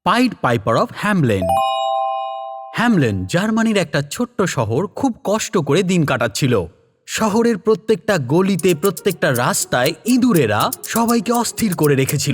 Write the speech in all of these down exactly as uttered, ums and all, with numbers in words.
Pied piper of Hamelin. Hamelin জার্মানির একটা ছোট্ট শহর খুব কষ্ট করে দিন কাটাচ্ছিল। শহরের প্রত্যেকটা গলিতে, প্রত্যেকটা রাস্তায় ইঁদুরেরা সবাইকে অস্থির করে রেখেছিল।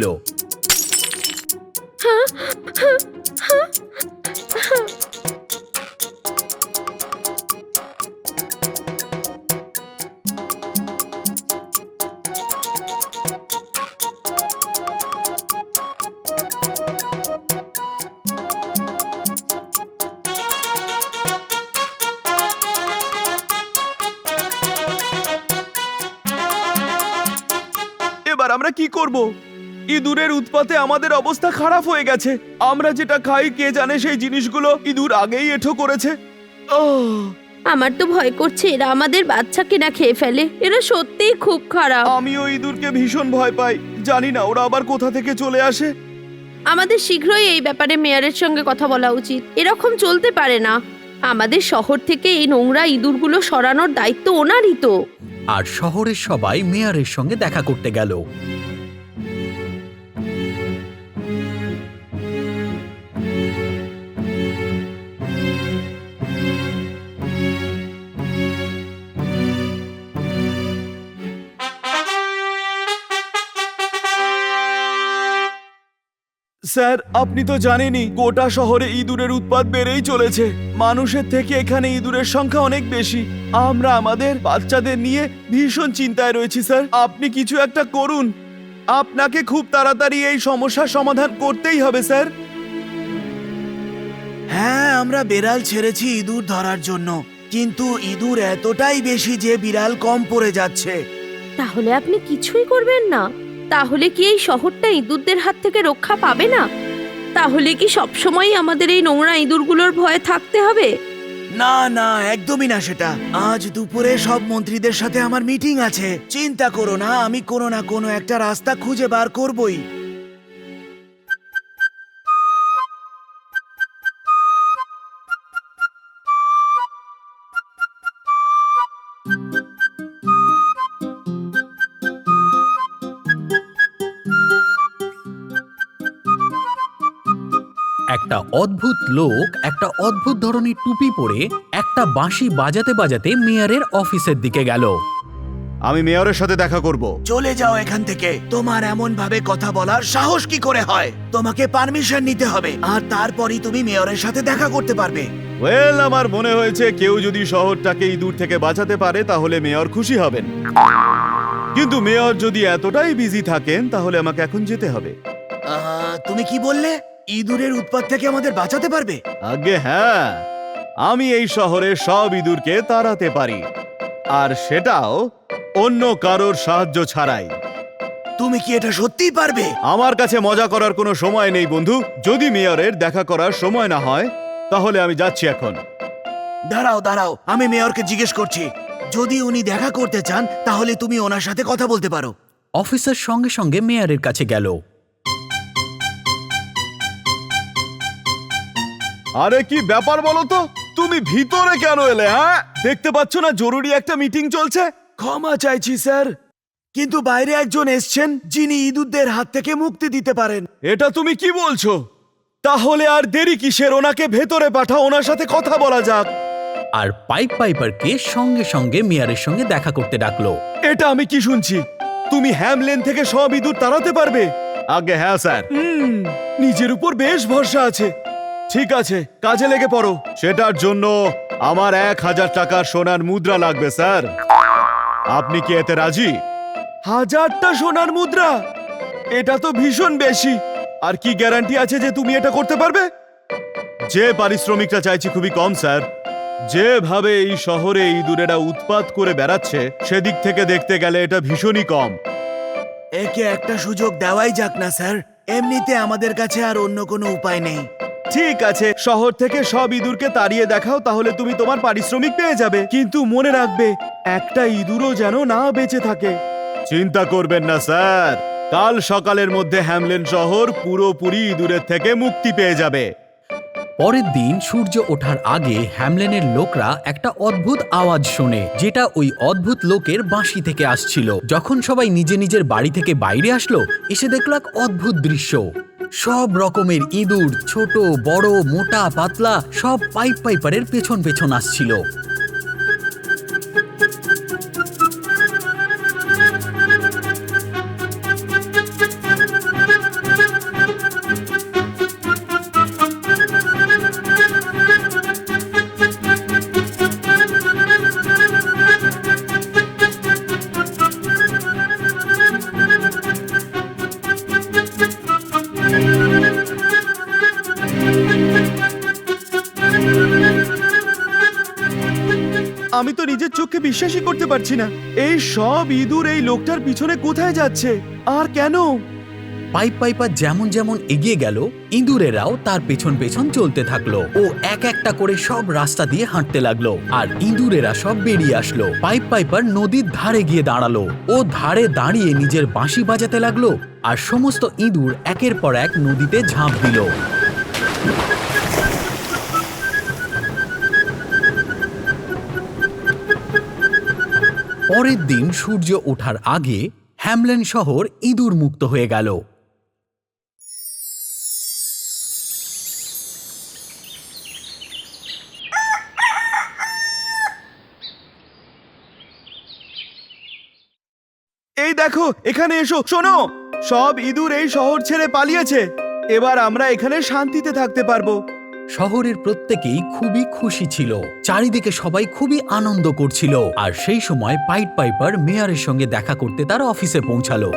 এবার আমরা কি করব? ইঁদুরের উৎপাতে আমাদের অবস্থা খারাপ হয়ে গেছে। আমরা যেটা খাই কে জানে সেই জিনিসগুলো ইঁদুর আগেই এঁঠো করেছে। আহ! আমার তো ভয় করছে এরা আমাদের বাচ্চাকে না খেয়ে ফেলে। এরা সত্যিই খুব খারাপ। আমিও ইঁদুরকে ভীষণ ভয় পাই। জানি না ওরা আবার কোথা থেকে চলে আসে। আমাদের শীঘ্রই এই ব্যাপারে মেয়রের সঙ্গে কথা বলা উচিত। এরকম চলতে পারে না। আমাদের শহর থেকে এই নোংরা ইঁদুরগুলো সরানোর দায়িত্ব ওনারই তো। আর শহরের সবাই মেয়রের সঙ্গে দেখা করতে গেল। স্যার, আপনি তো জানেনই গোটা শহরে ইঁদুরের উৎপাত বেড়েই চলেছে। মানুষের থেকে এখানে ইঁদুরের সংখ্যা অনেক বেশি। আমরা আমাদের বাচ্চাদের নিয়ে ভীষণ চিন্তায় রয়েছি স্যার। আপনি কিছু একটা করুন। আপনাকে খুব তাড়াতাড়ি এই সমস্যার সমাধান করতেই হবে স্যার। হ্যাঁ, আমরা বেড়াল ছেড়েছি ইঁদুর ধরার জন্য, কিন্তু ইঁদুর এতটাই বেশি যে বিড়াল কম পড়ে যাচ্ছে। তাহলে আপনি কিছুই করবেন না? তাহলে কি এই শহরটা ইঁদুরদের হাত থেকে রক্ষা পাবে না? তাহলে কি সবসময় আমাদের এই নোংরা ইঁদুরগুলোর ভয়ে থাকতে হবে? না না, একদমই না সেটা। আজ দুপুরে সব মন্ত্রীদের সাথে আমার মিটিং আছে। চিন্তা করো না, আমি কোনো না কোনো একটা রাস্তা খুঁজে বার করবই। একটা অদ্ভুত লোক একটা অদ্ভুত ধরনের টুপি পরে একটা বাঁশি বাজাতে বাজাতে মেয়রের অফিসের দিকে গেল। আমি মেয়রের সাথে দেখা করব। চলে যাও এখান থেকে। তোমার এমন ভাবে কথা বলার সাহস কি করে হয়? তোমাকে পারমিশন নিতে হবে, আর তারপরই তুমি মেয়রের সাথে দেখা করতে পারবে। ওয়েল, আমার মনে হয়েছে কেউ যদি শহরটাকে ইঁদুর থেকে বাঁচাতে পারে তাহলে মেয়র খুশি হবেন। কিন্তু মেয়র যদি এতটাই বিজি থাকেন তাহলে আমাকে এখন যেতে হবে। আহ, তুমি কি বললে? ইঁদুরের উৎপাত থেকে আমাদের বাঁচাতে পারবে? আগে হ্যাঁ, আমি এই শহরে সব ইঁদুরকে তাড়াতে পারি, আর সেটাও অন্য কারোর সাহায্য ছাড়াই। তুমি কি এটা সত্যিই পারবে? আমার কাছে মজা করার কোনো সময় নেই বন্ধু। যদি মেয়রের দেখা করার সময় না হয় তাহলে আমি যাচ্ছি এখন। দাঁড়াও দাঁড়াও, আমি মেয়রকে জিজ্ঞেস করছি। যদি উনি দেখা করতে চান তাহলে তুমি ওনার সাথে কথা বলতে পারো। অফিসার সঙ্গে সঙ্গে মেয়রের কাছে গেল। আরে কি ব্যাপার বলো তো? তুমি ভিতরে কেন এলে? হ্যাঁ, দেখতে পাচ্ছ না জরুরি একটা মিটিং চলছে? ক্ষমা চাইছি স্যার, কিন্তু বাইরে একজন এসছেন যিনি ইঁদুরদের হাত থেকে মুক্তি দিতে পারেন। এটা তুমি কি বলছো? তাহলে আর দেরি কিসের? ওনাকে ভেতরে পাঠাও, ওনার সাথে কথা বলা যাক। আর পাইপ পাইপারকে সঙ্গে সঙ্গে মেয়রের সঙ্গে দেখা করতে ডাকলো। এটা আমি কি শুনছি? তুমি হ্যামলেন থেকে সব ইঁদুর তাড়াতে পারবে? আগে হ্যাঁ স্যার। হুম, নিজের উপর বেশ ভরসা আছে। ঠিক আছে, কাজে লেগে পড়ো। সেটার জন্য আমার এক হাজার টাকার সোনার মুদ্রা লাগবে স্যার। আপনি কি এতে রাজি? হাজারটা সোনার মুদ্রা? এটা তো ভীষণ বেশি। আর কি গ্যারান্টি আছে যে তুমি এটা করতে পারবে? যে পারিশ্রমিকটা চাইছি খুবই কম স্যার। যেভাবে এই শহরে ইঁদুরেরা উৎপাত করে বেড়াচ্ছে সেদিক থেকে দেখতে গেলে এটা ভীষণই কম। একে একটা সুযোগ দেওয়াই যাক না স্যার। এমনিতে আমাদের কাছে আর অন্য কোনো উপায় নেই। ঠিক আছে, শহর থেকে সব ইঁদুরকে তাড়িয়ে দেখাও, তাহলে তুমি তোমার পারিশ্রমিক পেয়ে যাবে। কিন্তু মনে রাখবে, একটা ইঁদুরও যেন না বেঁচে থাকে। চিন্তা করবেন না স্যার, কাল সকালের মধ্যে হ্যামলেন শহর পুরোপুরি ইঁদুরের থেকে মুক্তি পেয়ে যাবে। পরের দিন সূর্য ওঠার আগে হ্যামলেনের লোকরা একটা অদ্ভুত আওয়াজ শোনে, যেটা ওই অদ্ভুত লোকের বাঁশি থেকে আসছিল। যখন সবাই নিজে নিজের বাড়ি থেকে বাইরে আসলো, এসে দেখলো এক অদ্ভুত দৃশ্য। সব রকমের ইঁদুর, ছোট বড় মোটা পাতলা, সব পাইপ পাইপারের পেছন পেছন আসছিল। আমি তো নিজের চোখে বিশ্বাসই করতে পারছি না। এই সব ইঁদুর এই লোকটার পিছনে কোথায় যাচ্ছে আর কেন? পাইপ পাইপার যেমন যেমন এগিয়ে গেল, ইঁদুরেরাও তার পেছন পেছন চলতে থাকলো। ও এক একটা করে সব রাস্তা দিয়ে হাঁটতে লাগলো, আর ইঁদুরেরা সব বেরিয়ে আসলো। পাইপ পাইপার নদীর ধারে গিয়ে দাঁড়ালো। ও ধারে দাঁড়িয়ে নিজের বাঁশি বাজাতে লাগলো, আর সমস্ত ইঁদুর একের পর এক নদীতে ঝাঁপ দিল। পরের দিন সূর্য ওঠার আগে হ্যামলেন শহর ইঁদুর মুক্ত হয়ে গেল। এই দেখো, এখানে এসো, শোনো, সব ইঁদুর এই শহর ছেড়ে পালিয়েছে। এবার আমরা এখানে শান্তিতে থাকতে পারবো। শহরের প্রত্যেকেই খুবই খুশি ছিল। চারিদিকে সবাই খুবই আনন্দ করছিল। আর সেই সময় পাইট পাইপার মেয়রের সঙ্গে দেখা করতে তার অফিসে পৌঁছালো।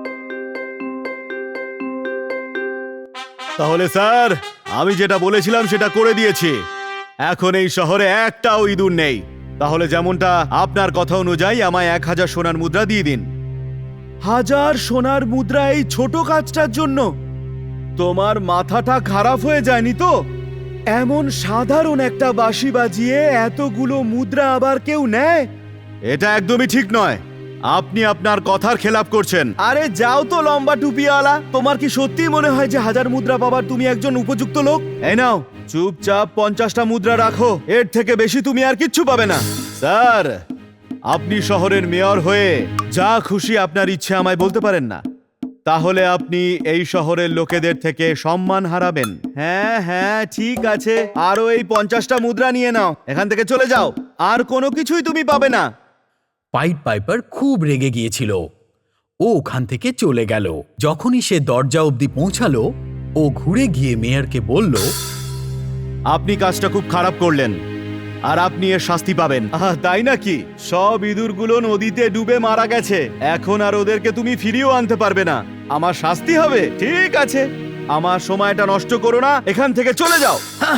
তাহলে স্যার, আমি যেটা বলেছিলাম সেটা করে দিয়েছি। এখন এই শহরে একটাও ইঁদুর নেই। তাহলে যেমনটা আপনার কথা অনুযায়ী আমায় এক হাজার সোনার মুদ্রা দিয়ে দিন। হাজার সোনার মুদ্রা এই ছোট কাজটার জন্য? তোমার মাথাটা খারাপ হয়ে যায়নি তো? এমন সাধারণ একটা বাঁশি বাজিয়ে এতগুলো মুদ্রা আবার কেউ নেয়? এটা একদমই ঠিক নয়। আপনি আপনার কথার খেলাপ করছেন। আরে যাও তো লম্বা টুপিওয়ালা, তোমার কি সত্যি মনে হয় যে হাজার মুদ্রা পাবার তুমি একজন উপযুক্ত লোক? এই নাও, চুপচাপ পঞ্চাশটা মুদ্রা রাখো। এর থেকে বেশি তুমি আর কিচ্ছু পাবে না। স্যার, আপনি শহরের মেয়র হয়ে যা খুশি আপনার ইচ্ছে আমায় বলতে পারেন না? তাহলে আপনি এই শহরের লোকেদের থেকে সম্মান হারাবেন। হ্যাঁ হ্যাঁ, ঠিক আছে, আরো এই পঞ্চাশটা মুদ্রা নিয়ে নাও। এখান থেকে চলে যাও, আর কোনো কিছুই তুমি পাবে না। পাইট পাইপার খুব রেগে গিয়েছিল। ও ওখান থেকে চলে গেল। যখনই সে দরজা অবধি পৌঁছালো, ও ঘুরে গিয়ে মেয়রকে বলল, আপনি কাজটা খুব খারাপ করলেন, আর আপনি এর শাস্তি পাবেন। আহ, তাই নাকি? সব ইঁদুরগুলো নদীতে ডুবে মারা গেছে। এখন আর ওদেরকে তুমি ফিরিয়েও আনতে পারবে না। আমার শাস্তি হবে? ঠিক আছে, আমার সময়টা নষ্ট করো না, এখান থেকে চলে যাও।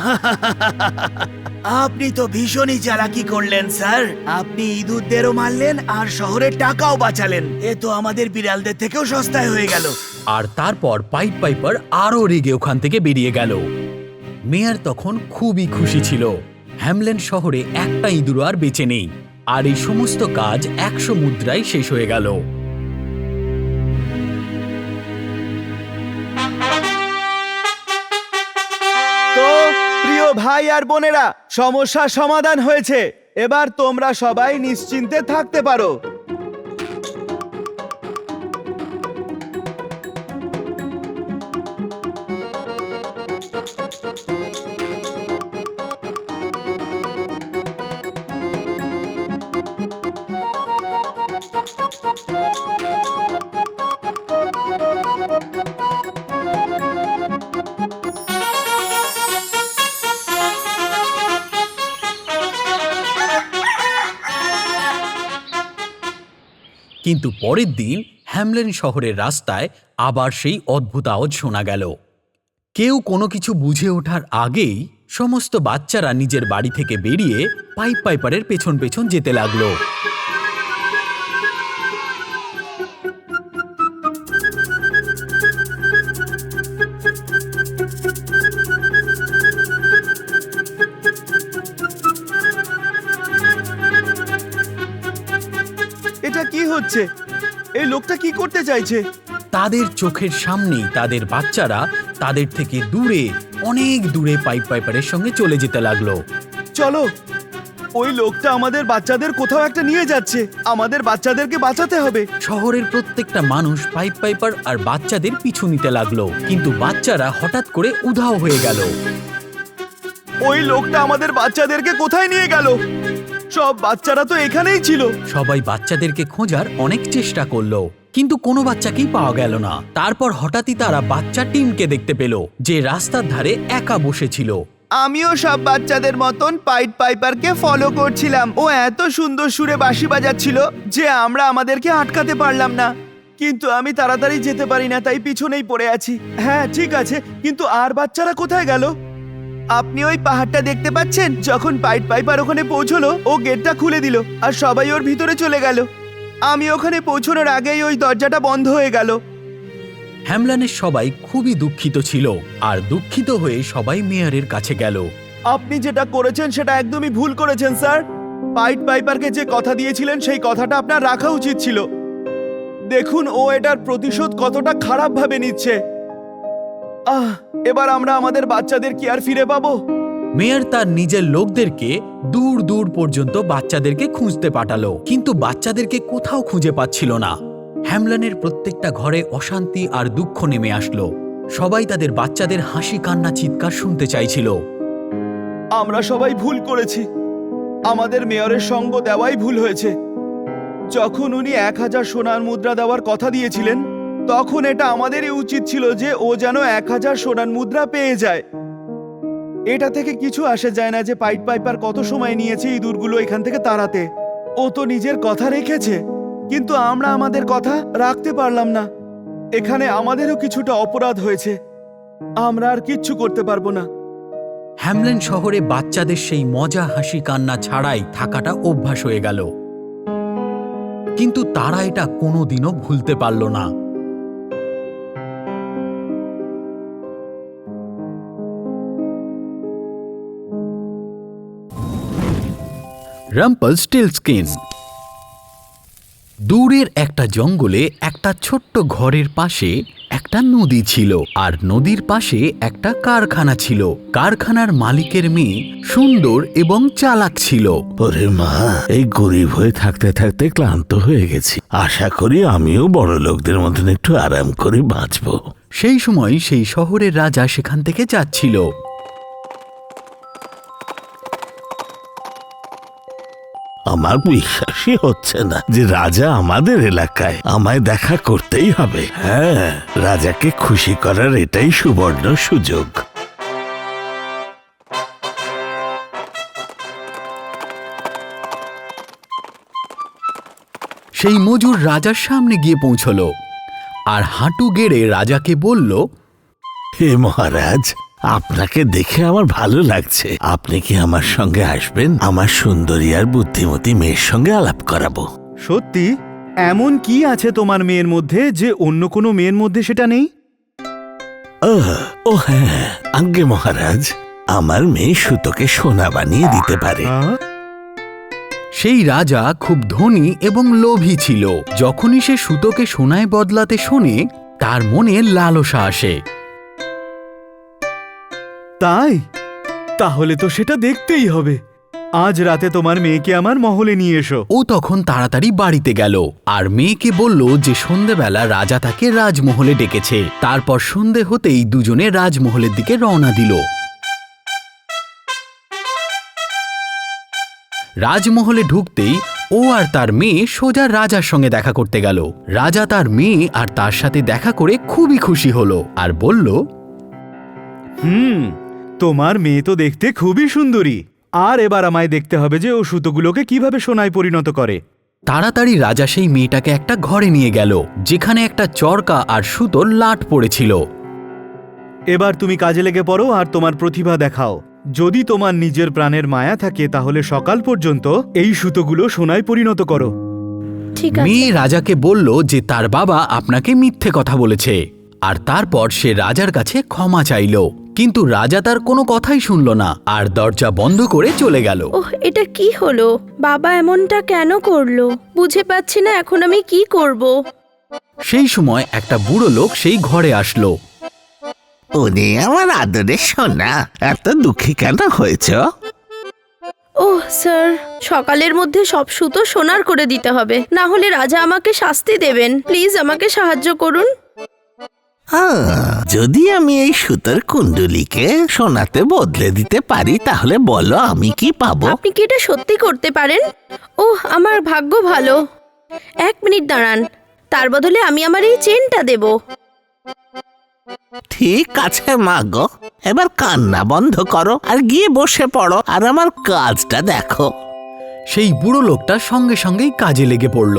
আপনি তো ভীষণই চালাকি করলেন স্যার। আপনি ইঁদুরদেরও মারলেন আর শহরের টাকাও বাঁচালেন। এ তো আমাদের বিড়ালদের থেকেও সস্তায় হয়ে গেল। আর তারপর পাইট পাইপার আরও রেগে ওখান থেকে বেরিয়ে গেল। মেয়র তখন খুবই খুশি ছিল। হ্যামলেন শহরে একটা ইঁদুর আর বেঁচে নেই, আর এই সমস্ত কাজ একশো মুদ্রায় শেষ হয়ে গেল। তো প্রিয় ভাই আর বোনেরা, সমস্যার সমাধান হয়েছে। এবার তোমরা সবাই নিশ্চিন্তে থাকতে পারো। কিন্তু পরের দিন হ্যামলেন শহরের রাস্তায় আবার সেই অদ্ভুত আওয়াজ শোনা গেল। কেউ কোনো কিছু বুঝে ওঠার আগেই সমস্ত বাচ্চারা নিজের বাড়ি থেকে বেরিয়ে পাইপ পাইপারের পেছন পেছন যেতে লাগলো। এটা কি হচ্ছে? এই লোকটা কি করতে চাইছে? তাদের চোখের সামনেই তাদের বাচ্চারা তাদের থেকে দূরে, অনেক দূরে পাইপ পাইপারের সঙ্গে চলে যেতে লাগলো। চলো, ওই লোকটা আমাদের বাচ্চাদের কোথাও একটা নিয়ে যাচ্ছে। আমাদের বাচ্চাদেরকে বাঁচাতে হবে। শহরের প্রত্যেকটা মানুষ পাইপ পাইপার আর বাচ্চাদের পিছু নিতে লাগলো, কিন্তু বাচ্চারা হঠাৎ করে উধাও হয়ে গেল। ওই লোকটা আমাদের বাচ্চাদেরকে কোথায় নিয়ে গেল? সব বাচ্চারা তো এখানেই ছিল। সবাই বাচ্চাদেরকে খোঁজার অনেক চেষ্টা করলো, কিন্তু কোনো বাচ্চাকেই পাওয়া গেল না। তারপর হঠাৎই তারা বাচ্চা টিমকে দেখতে পেল, যে রাস্তার ধারে একা বসেছিল। আমিও সব বাচ্চাদের মতন পাইট পাইপারকে ফলো করছিলাম। ও এত সুন্দর সুরে বাঁশি বাজাচ্ছিল যে আমরা আমাদেরকে আটকাতে পারলাম না। কিন্তু আমি তাড়াতাড়ি যেতে পারি না, তাই পিছনেই পড়ে আছি। হ্যাঁ ঠিক আছে, কিন্তু আর বাচ্চারা কোথায় গেল? আপনি ওই পাহাড়টা দেখতে পাচ্ছেন? যখন পাইট পাইপার ওখানে পৌঁছলো, ও গেটটা খুলে দিল আর সবাই ওর ভিতরে চলে গেল। আমি ওখানে পৌঁছানোর আগেই ওই দরজাটা বন্ধ হয়ে গেল। হ্যামলেনের সবাই খুবই দুঃখিত ছিল, আর দুঃখিত হয়ে সবাই মেয়রের কাছে গেল। আপনি যেটা করেছেন সেটা একদমই ভুল করেছেন স্যার। পাইট পাইপারকে যে কথা দিয়েছিলেন সেই কথাটা আপনার রাখা উচিত ছিল। দেখুন ও এটার প্রতিশোধ কতটা খারাপ ভাবে নিচ্ছে। আহ এবার আমরা আমাদের বাচ্চাদের কি আর ফিরে পাবো? মেয়র তার নিজের লোকদেরকে দূর দূর পর্যন্ত বাচ্চাদেরকে খুঁজতে পাঠালো, কিন্তু বাচ্চাদেরকে কোথাও খুঁজে পাচ্ছিল না। হ্যামলেনের প্রত্যেকটা ঘরে অশান্তি আর দুঃখ নেমে আসলো। সবাই তাদের বাচ্চাদের হাসি কান্না চিৎকার শুনতে চাইছিল। আমরা সবাই ভুল করেছি। আমাদের মেয়রের সঙ্গ দেওয়াই ভুল হয়েছে। যখন উনি এক হাজার সোনার মুদ্রা দেওয়ার কথা দিয়েছিলেন, তখন এটা আমাদেরই উচিত ছিল যে ও যেন এক হাজার সোনার মুদ্রা পেয়ে যায়। এটা থেকে কিছু আসে যায় না যে পাইট পাইপার কত সময় নিয়েছে ইঁদুরগুলো এখান থেকে তাড়াতে। ও তো নিজের কথা রেখেছে, কিন্তু আমরা আমাদের কথা রাখতে পারলাম না। এখানে আমাদেরও কিছুটা অপরাধ হয়েছে। আমরা আর কিচ্ছু করতে পারবো না। হ্যামলেন শহরে বাচ্চাদের সেই মজা হাসি কান্না ছাড়াই থাকাটা অভ্যাস হয়ে গেল, কিন্তু তারা এটা কোনোদিনও ভুলতে পারল না। রাম্পলস্টিলস্কিন। দূরের একটা জঙ্গলে একটা ছোট্ট ঘরের পাশে একটা নদী ছিল, আর নদীর পাশে একটা কারখানা ছিল। কারখানার মালিকের মেয়ে সুন্দর এবং চালাক ছিল। ওরে মা, এই গরিব হয়ে থাকতে থাকতে ক্লান্ত হয়ে গেছি। আশা করি আমিও বড় লোকদের মতন একটু আরাম করে বাঁচবো। সেই সময় সেই শহরের রাজা সেখান থেকে যাচ্ছিল। আমার বিশ্বাসই হচ্ছে না যে রাজা আমাদের এলাকায়। আমায় দেখা করতেই হবে। হ্যাঁ, রাজাকে খুশি করার এটাই সুবর্ণ সুযোগ। সেই মজুর রাজার সামনে গিয়ে পৌঁছলো আর হাঁটু গেড়ে রাজাকে বলল, হে মহারাজ, আপনাকে দেখে আমার ভালো লাগছে। আপনি কি আমার সঙ্গে আসবেন? আমার সুন্দরী আর বুদ্ধিমতী মেয়ের সঙ্গে আলাপ করাবো। সত্যি? এমন কি আছে তোমার মেয়ের মধ্যে যে অন্য কোনো মেয়ের মধ্যে সেটা নেই? ও ও হ্যাঁ, আজ্ঞে মহারাজ, আমার মেয়ে সুতোকে সোনা বানিয়ে দিতে পারে। আহ? সেই রাজা খুব ধনী এবং লোভী ছিল। যখনই সে সুতোকে সোনায় বদলাতে শোনে, তার মনে লালসা আসে। তাই? তাহলে তো সেটা দেখতেই হবে। আজ রাতে তোমার মেয়েকে আমার মহলে নিয়ে এসো। ও তখন তাড়াতাড়ি বাড়িতে গেল আর মেয়েকে বলল যে সন্ধেবেলা রাজা তাকে রাজমহলে ডেকেছে। তারপর সন্ধে হতেই দুজনে রাজমহলের দিকে রওনা দিল। রাজমহলে ঢুকতেই ও আর তার মেয়ে সোজা রাজার সঙ্গে দেখা করতে গেল। রাজা তার মেয়ে আর তার সাথে দেখা করে খুবই খুশি হলো আর বলল, হুম, তোমার মেয়ে তো দেখতে খুবই সুন্দরী। আর এবার আমায় দেখতে হবে যে ও সুতোগুলোকে কিভাবে সোনায় পরিণত করে। তাড়াতাড়ি রাজা সেই মেয়েটাকে একটা ঘরে নিয়ে গেল, যেখানে একটা চরকা আর সুতোর লাট পড়েছিল। এবার তুমি কাজে লেগে পড়ো আর তোমার প্রতিভা দেখাও। যদি তোমার নিজের প্রাণের মায়া থাকে তাহলে সকাল পর্যন্ত এই সুতোগুলো সোনায় পরিণত করো। ঠিক আছে। মেয়ে রাজাকে বলল যে তার বাবা আপনাকে মিথ্যে কথা বলেছে, আর তারপর সে রাজার কাছে ক্ষমা চাইল। কিন্তু রাজা তার কোনো কথাই শুনল না আর দরজা বন্ধ করে চলে গেল। ওহ, এটা কি হলো? বাবা এমনটা কেন করলো? বুঝে পাচ্ছি না এখন আমি কি করব। সেই সময় একটা বুড়ো লোক সেই ঘরে আসলো। ওরে আমার আদরে সোনা, এত দুঃখী কেন হয়েছ? ওহ স্যার, সকালের মধ্যে সব সুতো সোনার করে দিতে হবে, না হলে রাজা আমাকে শাস্তি দেবেন। প্লিজ আমাকে সাহায্য করুন। আহ, যদি আমি এই সুতোর কুণ্ডলিকে সোনাতে বদলে দিতে পারি তাহলে বলো আমি কি পাবো? আপনি কি এটা সত্যি করতে পারেন? ওহ, আমার ভাগ্য ভালো। এক মিনিট দাঁড়ান, তার বদলে আমি আমার এই চেনটা দেব। ঠিক আছে মা গো, এবার কান্না বন্ধ করো আর গিয়ে বসে পড়ো আর আমার কাজটা দেখো। সেই বুড়ো লোকটা সঙ্গে সঙ্গেই কাজে লেগে পড়ল।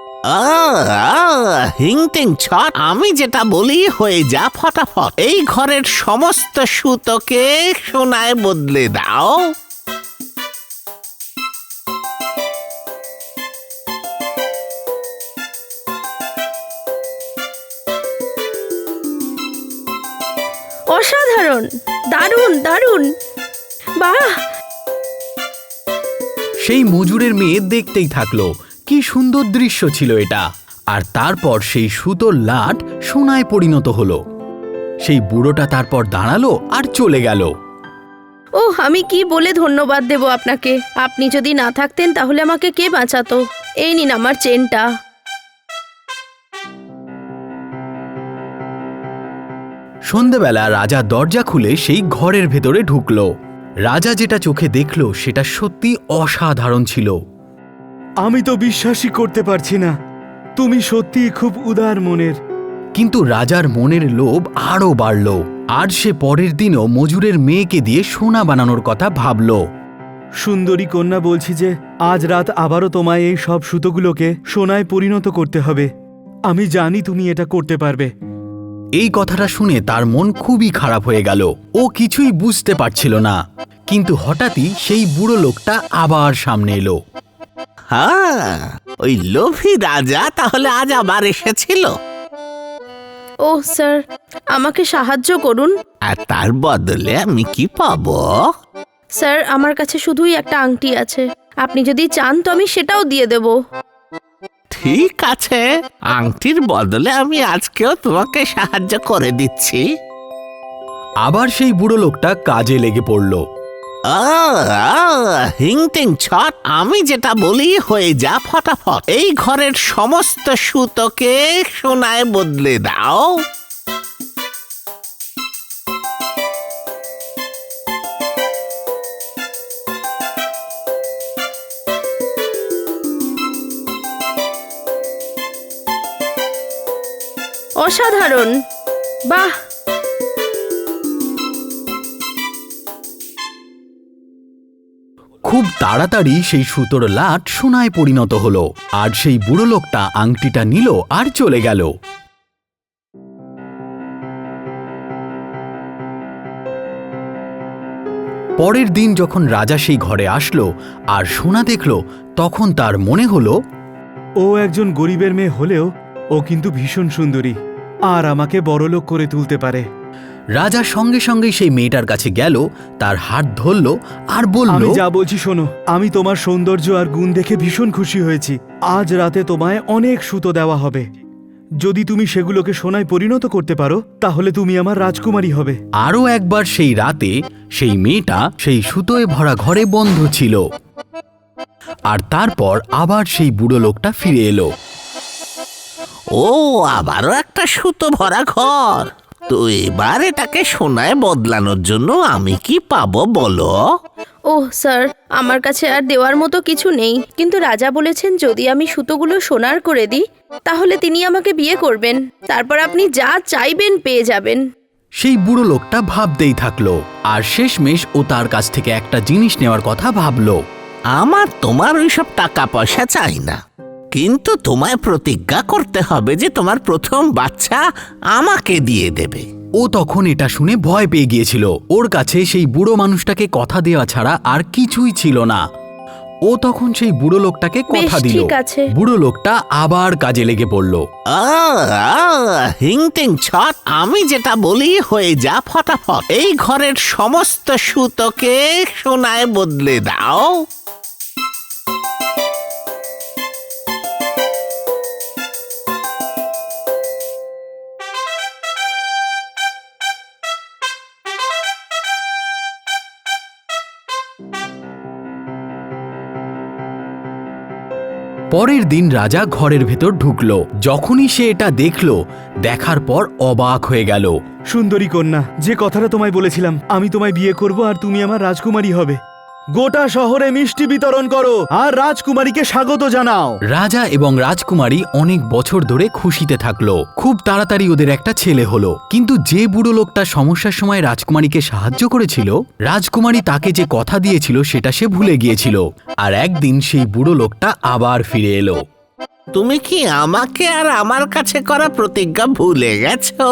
হিংটিং ছট, আমি যেটা বলি হয়ে যা ফটাফট। এই ঘরের সমস্ত সুতোকে সোনায় বদলে দাও। অসাধারণ, দারুণ দারুণ, বাহ! সেই মজুরের মেয়ে দেখতেই থাকলো, কি সুন্দর দৃশ্য ছিল এটা। আর তারপর সেই সুতোর লাট সোনায় পরিণত হলো। সেই বুড়োটা তারপর দাঁড়ালো আর চলে গেল। ওহ, আমি কি বলে ধন্যবাদ দেব আপনাকে? আপনি যদি না থাকতেন তাহলে আমাকে কে বাঁচাতো? এই নিন আমার চেনটা। সন্ধেবেলা রাজা দরজা খুলে সেই ঘরের ভেতরে ঢুকলো। রাজা যেটা চোখে দেখলো সেটা সত্যি অসাধারণ ছিল। আমি তো বিশ্বাসই করতে পারছি না, তুমি সত্যিই খুব উদার মনের। কিন্তু রাজার মনের লোভ আরও বাড়ল, আর সে পরের দিনও মজুরের মেয়েকে দিয়ে সোনা বানানোর কথা ভাবল। সুন্দরী কন্যা, বলছি যে আজ রাত আবারও তোমায় এই সব সুতোগুলোকে সোনায় পরিণত করতে হবে। আমি জানি তুমি এটা করতে পারবে। এই কথাটা শুনে তার মন খুবই খারাপ হয়ে গেল। ও কিছুই বুঝতে পারছিল না। কিন্তু হঠাৎই সেই বুড়ো লোকটা আবার সামনে এলো। হ্যাঁ, ওই লোভী রাজা তাহলে আজ আবার এসেছিল। ওহ স্যার, আমাকে সাহায্য করুন। আর তার বদলে আমি কি পাবো? স্যার, আমার কাছে শুধুই একটা আংটি আছে, আপনি যদি চান তো আমি সেটাও দিয়ে দেব। ঠিক আছে, আংটির বদলে আমি আজকেও তোমাকে সাহায্য করে দিচ্ছি। আবার সেই বুড়ো লোকটা কাজে লেগে পড়ল। হিংটিং ছট, আমি যেটা বলি হয়ে যা ফটাফট। এই ঘরের সমস্ত সুতোকে সোনায় বদলে দাও। অসাধারণ, বাহ! খুব তাড়াতাড়ি সেই সুতোর লাট সোনায় পরিণত হলো, আর সেই বুড়ো লোকটা আংটিটা নিল আর চলে গেল। পরের দিন যখন রাজা সেই ঘরে আসলো আর সোনা দেখলো, তখন তার মনে হলো, ও একজন গরিবের মেয়ে হলেও ও কিন্তু ভীষণ সুন্দরী, আর আমাকে বড়লোক করে তুলতে পারে। রাজা সঙ্গে সঙ্গেই সেই মেয়েটার কাছে গেল, তার হাত ধরল আর বলল, আমি যা বলছি শোনো, আমি তোমার সৌন্দর্য আর গুণ দেখে ভীষণ খুশি হয়েছি। আজ রাতে তোমায় অনেক সুতো দেওয়া হবে। যদি তুমি সেগুলোকে সোনায় পরিণত করতে পারো তাহলে তুমি আমার রাজকুমারী হবে। আরও একবার সেই রাতে সেই মেয়েটা সেই সুতোয় ভরা ঘরে বন্ধ ছিল। আর তারপর আবার সেই বুড়ো লোকটা ফিরে এলো। ও, আবারও একটা সুতো ভরা ঘর। তো এবার এটাকে সোনায় বদলানোর জন্য আমি কি পাবো বলো? ওহ স্যার, আমার কাছে আর দেওয়ার মতো কিছু নেই, কিন্তু রাজা বলেছেন যদি আমি সুতোগুলো সোনার করে দিই তাহলে তিনি আমাকে বিয়ে করবেন, তারপর আপনি যা চাইবেন পেয়ে যাবেন। সেই বুড়ো লোকটা ভাবতেই থাকলো, আর শেষমেশ ও তার কাছ থেকে একটা জিনিস নেওয়ার কথা ভাবলো। আমার তোমার ওইসব টাকা পয়সা চাই না, কিন্তু তোমায় প্রতিজ্ঞা করতে হবে যে তোমার প্রথম বাচ্চা আমাকে দিয়ে দেবে। ও তখন এটা শুনে ভয় পেয়ে গিয়েছিল। ওর কাছে সেই বুড়ো মানুষটাকে কথা দেওয়া ছাড়া আর কিছুই ছিল না। ও তখন সেই বুড়ো লোকটাকে কথা বেশ, দিল। ঠিক আছে। বুড়ো লোকটা আবার কাজে লেগে পড়ল। হিংটিং ছট, আমি যেটা বলি হয়ে যা ফটাফট। এই ঘরের সমস্ত সুতোকে সোনায় বদলে দাও। পরের দিন রাজা ঘরের ভেতর ঢুকলো। যখনই সে এটা দেখলো, দেখার পর অবাক হয়ে গেল। সুন্দরী কন্যা, যে কথাটা তোমায় বলেছিলাম, আমি তোমায় বিয়ে করব আর তুমি আমার রাজকুমারী হবে। গোটা শহরে মিষ্টি বিতরণ করো আর রাজকুমারীকে স্বাগত জানাও। রাজা এবং রাজকুমারী অনেক বছর ধরে খুশিতে থাকলো। খুব তাড়াতাড়ি ওদের একটা ছেলে হলো। কিন্তু যে বুড়ো লোকটা সমস্যার সময় রাজকুমারীকে সাহায্য করেছিল, রাজকুমারী তাকে যে কথা দিয়েছিল সেটা সে ভুলে গিয়েছিল। আর একদিন সেই বুড়ো লোকটা আবার ফিরে এলো। তুমি কি আমাকে আর আমার কাছে করা প্রতিজ্ঞা ভুলে গেছো?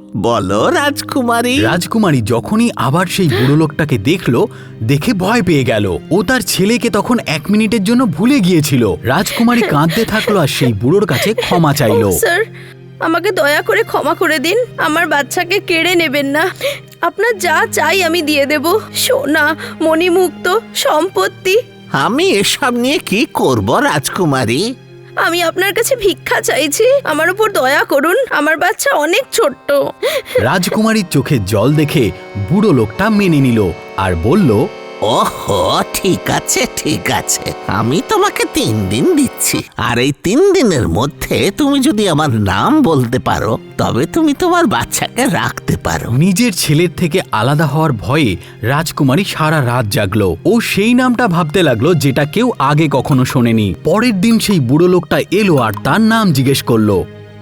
বলো রাজকুমারী। রাজকুমারী যখনই আবার সেই বুড়ো লোকটাকে দেখলো, দেখে ভয় পেয়ে গেল। ও তার ছেলেকে তখন এক মিনিটের জন্য ভুলে গিয়েছিল। রাজকুমারী কাঁদতে থাকলো আর সেই বুড়োর কাছে ক্ষমা চাইলো। স্যার, আমাকে দয়া করে ক্ষমা করে দিন। আমার বাচ্চাকে কেড়ে নেবেন না। আপনার যা চাই আমি দিয়ে দেব, সোনা, মণিমুক্ত, সম্পত্তি। আমি এসব নিয়ে কি করব রাজকুমারী? আমি আপনার কাছে ভিক্ষা চাইছি, আমার উপর দয়া করুন। আমার বাচ্চা অনেক ছোট্ট। রাজকুমারীর চোখে জল দেখে বুড়ো লোকটা মেনে নিল আর বলল, ওহো, ঠিক আছে ঠিক আছে, আমি তোমাকে তিন দিন দিচ্ছি। আর এই তিন দিনের মধ্যে তুমি যদি আমার নাম বলতে পারো, তবে তুমি তোমার বাচ্চাকে রাখতে পারো। নিজের ছেলের থেকে আলাদা হওয়ার ভয়ে রাজকুমারী সারা রাত জাগলো। ও সেই নামটা ভাবতে লাগলো যেটা কেউ আগে কখনো শোনেনি। পরের দিন সেই বুড়ো লোকটা এলো আর তার নাম জিজ্ঞেস করলো।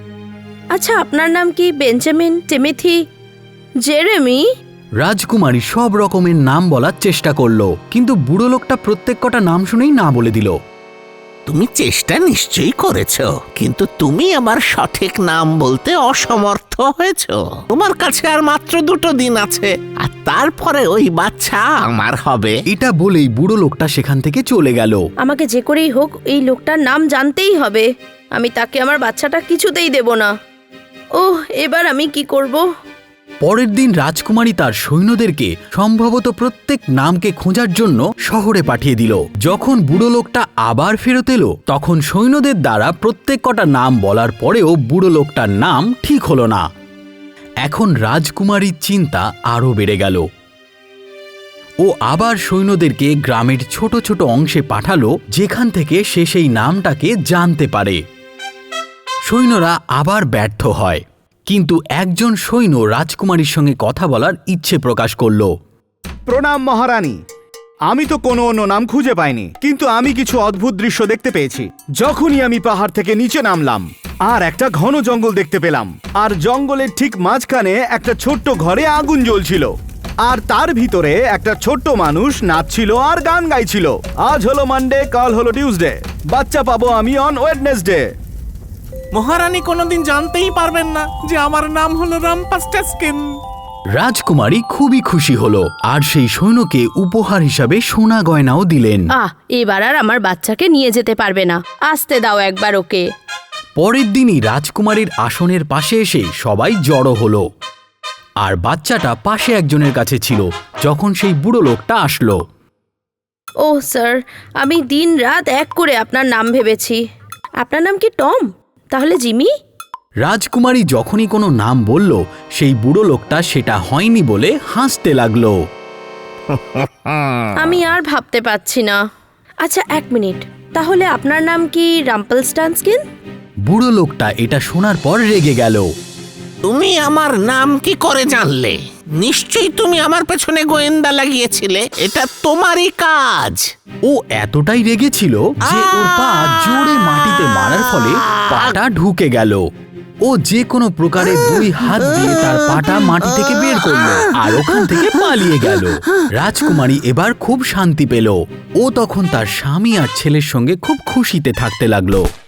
আচ্ছা, আপনার নাম কি? Benjamin, Timothy, Jeremy? রাজকুমারী সব রকমের নাম বলার চেষ্টা করলো, কিন্তু বুড়ো লোকটা প্রত্যেক কটা নাম শুনেই না বলে দিল। তুমি চেষ্টা নিশ্চয়ই করেছো, কিন্তু তুমি আমার সঠিক নাম বলতে অসমর্থ হয়েছো। তোমার কাছে আর মাত্র দুটো দিন আছে, আর তারপরে ওই বাচ্চা আমার হবে। এটা বলেই বুড়ো লোকটা সেখান থেকে চলে গেল। আমাকে যে করেই হোক এই লোকটার নাম জানতেই হবে। আমি তাকে আমার বাচ্চাটা কিছুতেই দেব না। ওহ, এবার আমি কি করব? পরের দিন রাজকুমারী তার সৈন্যদেরকে সম্ভবত প্রত্যেক নামকে খোঁজার জন্য শহরে পাঠিয়ে দিল। যখন বুড়ো লোকটা আবার ফেরত এলো, তখন সৈন্যদের দ্বারা প্রত্যেক কটা নাম বলার পরেও বুড়ো লোকটার নাম ঠিক হলো না। এখন রাজকুমারীর চিন্তা আরো বেড়ে গেল। ও আবার সৈন্যদেরকে গ্রামের ছোট ছোট অংশে পাঠালো, যেখান থেকে সে সেই নামটাকে জানতে পারে। সৈন্যরা আবার ব্যর্থ হয়, কিন্তু একজন সৈন্য রাজকুমারীর সঙ্গে কথা বলার ইচ্ছে প্রকাশ করল। প্রণাম মহারানী, আমি তো কোনো অন্য নাম খুঁজে পাইনি, কিন্তু আমি কিছু অদ্ভুত দৃশ্য দেখতে পেয়েছি। যখনই আমি পাহাড় থেকে নিচে নামলাম আর একটা ঘন জঙ্গল দেখতে পেলাম, আর জঙ্গলের ঠিক মাঝখানে একটা ছোট্ট ঘরে আগুন জ্বলছিল, আর তার ভিতরে একটা ছোট্ট মানুষ নাচছিল আর গান গাইছিল। আজ হলো মানডে, কাল হলো টিউসডে, বাচ্চা পাবো আমি অন ওয়েডনেসডে। মহারানী কোনোদিন জানতেই পারবেন না যে আমার নাম হলো রামপাস্টাস্কিন। রাজকুমারী খুবই খুশি হলো আর সেই সৈন্যকে উপহার হিসাবে সোনা গয়নাও দিলেন। আহ, এবার আর আমার বাচ্চাকে নিয়ে যেতে পারবে না। আসতে দাও একবার ওকে। পরের দিনই রাজকুমারীর আসনের পাশে এসে সবাই জড়ো হলো, আর বাচ্চাটা পাশে একজনের কাছে ছিল যখন সেই বুড়ো লোকটা আসলো। ওহ স্যার, আমি দিন রাত এক করে আপনার নাম ভেবেছি। আপনার নাম কি টম? তাহলে জিমি? রাজকুমারী যখনই কোনো নাম বলল, সেই বুড়ো লোকটা সেটা হয়নি বলে হাসতে লাগলো। আমি আর ভাবতে পারছি না। আচ্ছা, এক মিনিট, তাহলে আপনার নাম কি রাম্পলস্টানস্কিন? বুড়ো লোকটা এটা শোনার পর রেগে গেল। তুমি আমার নাম কি করে জানলে? নিশ্চয়ই তুমি আমার পেছনে গোয়েন্দা লাগিয়েছিলে। এটা তোমারই কাজ। ও এতটাই রেগেছিল যে ওর পা জোরে মাটিতে মারার ফলে পাটা ঢুকে গেল। ও যে কোনো প্রকারে দুই হাত দিয়ে তার পাটা মাটি থেকে বের করলো আর ওখান থেকে পালিয়ে গেল। রাজকুমারী এবার খুব শান্তি পেল। ও তখন তার স্বামী আর ছেলের সঙ্গে খুব খুশিতে থাকতে লাগলো।